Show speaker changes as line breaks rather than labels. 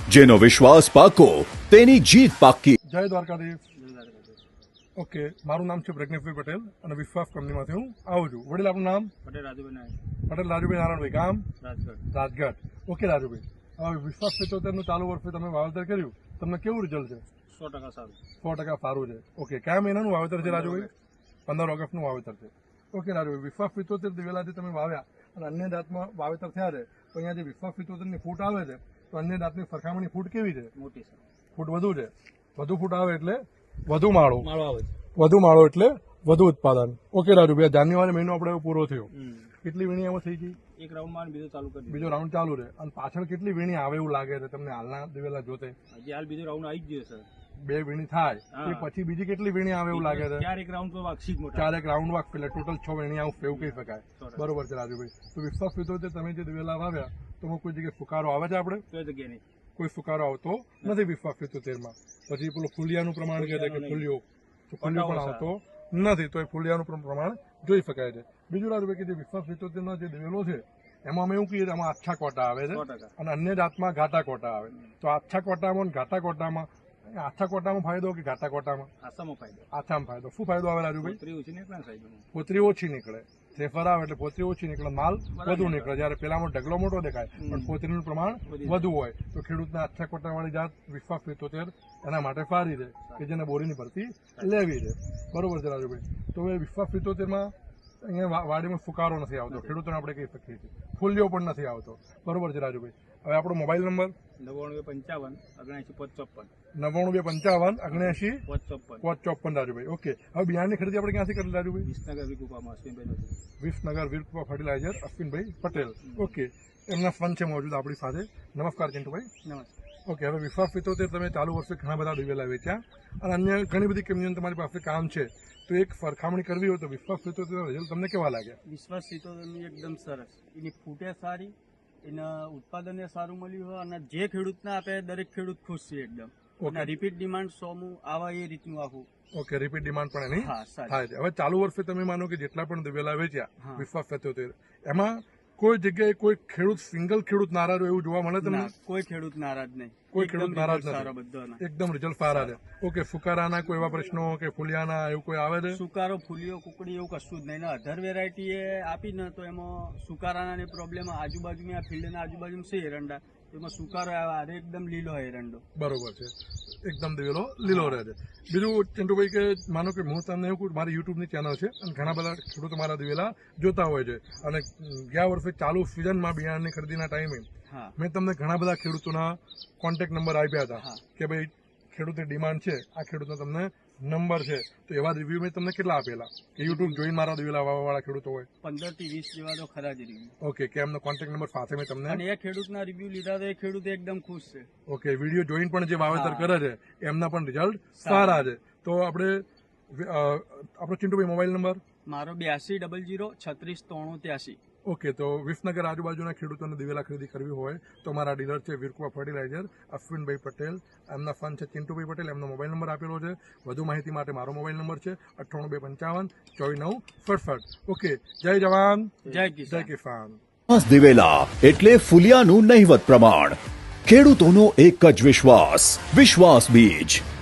જેનો વિશ્વાસ પાકો તેની જીત પાકી.
જય દ્વારકાધીશ. ઓકે, મારું નામ છે પ્રજ્ઞેશભાઈ પટેલ અને વિશ્વાસ કંપનીમાંથી હું આવું છું. વડીલ, આપનું નામ?
પટેલ રાજુભાઈ.
પટેલ રાજુભાઈ નારાયણભાઈ. ગામ?
રાજગઢ.
ઓકે રાજુભાઈ, હવે વિશ્વાસ 75 નું ચાલુ વર્ષે તમે વાવેતર કર્યું, તમને કેવું રિઝલ્ટ છે?
100% સારું.
100% સારું છે. ઓકે, કયા મહિનાનું વાવેતર છે રાજુભાઈ? 15 ઓગસ્ટનું વાવેતર છે. ઓકે રાજુભાઈ, વિશ્વાસ 75 દિવેલાથી તમે વાવ્યા અને અન્ય જાતમાં વાવેતર થયા છે, તો અહીંયા જે વિશ્વાસ 75 ની ફૂટ આવે છે, તો અન્ય જાતની સરખામણી ફૂટ કેવી છે?
મોટી છે.
ફૂટ વધુ છે. વધુ ફૂટ આવે એટલે વધુ માળો
આવે છે.
વધુ માળો એટલે વધુ ઉત્પાદન. ઓકે રાજુભાઈ, જાન્યુઆરી મહિનો આપણે પૂરો થયો, કેટલી વીણી એમાં થઈ ગઈ?
એક રાઉન્ડમાં બીજો ચાલુ કરી
બીજો રાઉન્ડ ચાલુ છે. અને પાછળ કેટલી વીણી આવે એવું લાગે છે તમને હાલના દિવેલા જોતે?
હજી હાલ બીજો રાઉન્ડ આવી જ ગયો સર.
2 વીણી થાય એ પછી બીજી કેટલી વીણી આવે એવું લાગે છે?
4 રાઉન્ડ તો વાગશી જ મોટા.
4 રાઉન્ડ વાગ એટલે ટોટલ 6 વીણી આવું એવું કહી શકાય. બરોબર છે રાજુભાઈ. તો વિશ્વાસ 75 તમે જે દિવેલા વાવ્યા, તો કોઈ જગ્યાએ ફુકારો આવે છે? આપણે
કોઈ જગ્યાએ નહીં,
કોઈ ફુકારો આવતો નથી વિશ્વાસ 75 માં. પછી પેલું ફૂલિયાનું પ્રમાણ કહે છે કે ફૂલ્યો, તો ફૂલ્યો પણ આવતો નથી, તો એ ફૂલિયાનું પ્રમાણ જોઈ શકાય છે. બીજું રાજુભાઈ કે જે વિશ્વાસ 75 નો જે દિવેલો છે, એમાં અમે એવું કહીએ એમાં આછા કોટા આવે છે અને અન્ય જાતમાં ઘાટા કોટા આવે. તો આછા કોટામાં અને ઘાટા કોટામાં, આછા કોટામાં ફાયદો કે ઘાટા કોટામાં?
આસામાં ફાયદો.
આછામાં ફાયદો. શું ફાયદો આવે રાજુભાઈ?
પોતરી ઓછી નીકળે સાહેબ.
પોતરી ઓછી નીકળે. થેફર આવે એટલે પોતરી ઓછી નીકળે, માલ વધુ નીકળે. જયારે પેલામાં ઢગલો મોટો દેખાય પણ પોતરીનું પ્રમાણ વધુ હોય, તો ખેડૂતના આછા કોટાવાળી જાત વિશ્વાસ 75 એના માટે સારી છે કે જેને બોરીની ભરતી લેવી છે. બરોબર છે રાજુભાઈ. તો હવે વિશ્વાસ 75 માં અહીંયા વાડીમાં ફુકારો નથી આવતો, ખેડૂતોને આપણે કહી શકીએ છીએ. ફૂલ્યો પણ નથી આવતો. બરોબર છે રાજુભાઈ. હવે આપણો મોબાઈલ નંબર?
9255
રાજુભાઈ. ઓકે, હવે બિયારણની ખરીદી આપણે ક્યાંથી કરી રાજુભાઈ?
વિસનગર
વીરકૃપા ફર્ટિલાઇઝર, અશ્વિનભાઈ પટેલ. ઓકે, એમના ફંડ છે મોજૂદ આપણી સાથે. નમસ્કાર ચિંટુભાઈ.
નમસ્કાર.
ઓકે, હવે વિશ્વાસ 75 તમે ચાલુ વર્ષે ઘણા બધા દિવેલા વેચ્યા અને અન્ય ઘણી બધી કંપનીઓ તમારી પાસે કામ છે, તો એક સરખામણી કરવી હોય તો વિશ્વાસ 75 રિઝલ્ટ તમને કેવા લાગ્યા?
વિશ્વાસ 75 એકદમ સરસ. એની ફૂટે સારી, એના ઉત્પાદન સારું મળ્યું હોય અને જે ખેડૂતને આપે દરેક ખેડૂત ખુશ છે એકદમ. અને રિપીટ ડિમાન્ડ 100 આવા એ રીતનું આખું.
ઓકે, રિપીટ ડિમાન્ડ પણ એની થાય છે. હવે ચાલુ વર્ષે તમે માનો કે જેટલા પણ દિવેલા વેચ્યા વિશ્વાસ 75, એમાં કોઈ જગ્યાએ કોઈ ખેડૂત, સિંગલ ખેડૂત નારાજ એવું જોવા મળે તમને?
કોઈ ખેડૂત નારાજ નહીં.
કોઈ ખેડૂત નારાજ નથી, એકદમ રિઝલ્ટ સારા છે. ઓકે, ફુકારાના કોઈ એવા પ્રશ્નો કે ફુલિયાના એવું કોઈ આવે છે?
સુકારો, ફૂલિયો, કુકડી એવું કશું જ નહીં. અધર વેરાયટી એ આપી ને તો એમાં સુકારાના પ્રોબ્લેમ આજુબાજુમાં, આ ફિલ્ડના આજુબાજુ છે એરંડા, એમાં સુકારો આવે, એકદમ લીલો હોય એરંડો.
બરોબર છે, એકદમ દિવેલો લીલો રહે છે. બીજું ચિંટુભાઈ કે માનો કે હું તમને એવું કહું, મારી યુટ્યુબની ચેનલ છે અને ઘણા બધા ખેડૂતો મારા દિવેલા જોતા હોય છે, અને ગયા વર્ષે ચાલુ સિઝનમાં બિયારણની ખરીદીના ટાઈમે મેં તમને ઘણા બધા ખેડૂતોના કોન્ટેક્ટ નંબર આપ્યા હતા કે ભાઈ ખેડૂતની ડિમાન્ડ છે, આ ખેડૂતનો તમને નંબર છે, તો એવા રિવ્યુ મેં તમને કેટલા આપેલા કે યુટ્યુબ જોઈને મારા દિવેલા વાળા ખેડૂતો હોય?
15 થી 20 જેવા તો ખરા જ રિવ્યુ.
ઓકે, કે એમનો કોન્ટેક્ટ નંબર સાથે મેં તમને,
અને એ ખેડૂતના રિવ્યુ લીધા તો એ ખેડૂત એકદમ ખુશ છે.
ઓકે, વિડીયો જોઈને પણ જે વાવેતર કરે છે એમના પણ રિઝલ્ટ સારા છે. તો આપણે આપણો ચિંટુભાઈ મોબાઈલ નંબર?
મારો 8200369383.
ઓકે, તો વિસનગર આજુબાજુના ખેડૂતોને દિવેલા ખરીદી કરવી હોય તો મારા ડીલર છે વીરકૃપા ફર્ટિલાઇઝર, અશ્વિનભાઈ પટેલ. એમના ફંડ છે ચિંટુભાઈ પટેલ. એમનો મોબાઈલ નંબર આપેલો છે. વધુ માહિતી માટે મારો મોબાઈલ નંબર છે 9825544967. ઓકે, જય જવાન,
જય કિસાન.
દિવેલા એટલે ફુલિયાનું નહિવત પ્રમાણ. ખેડૂતોનો એક જ વિશ્વાસ, વિશ્વાસ બીજ.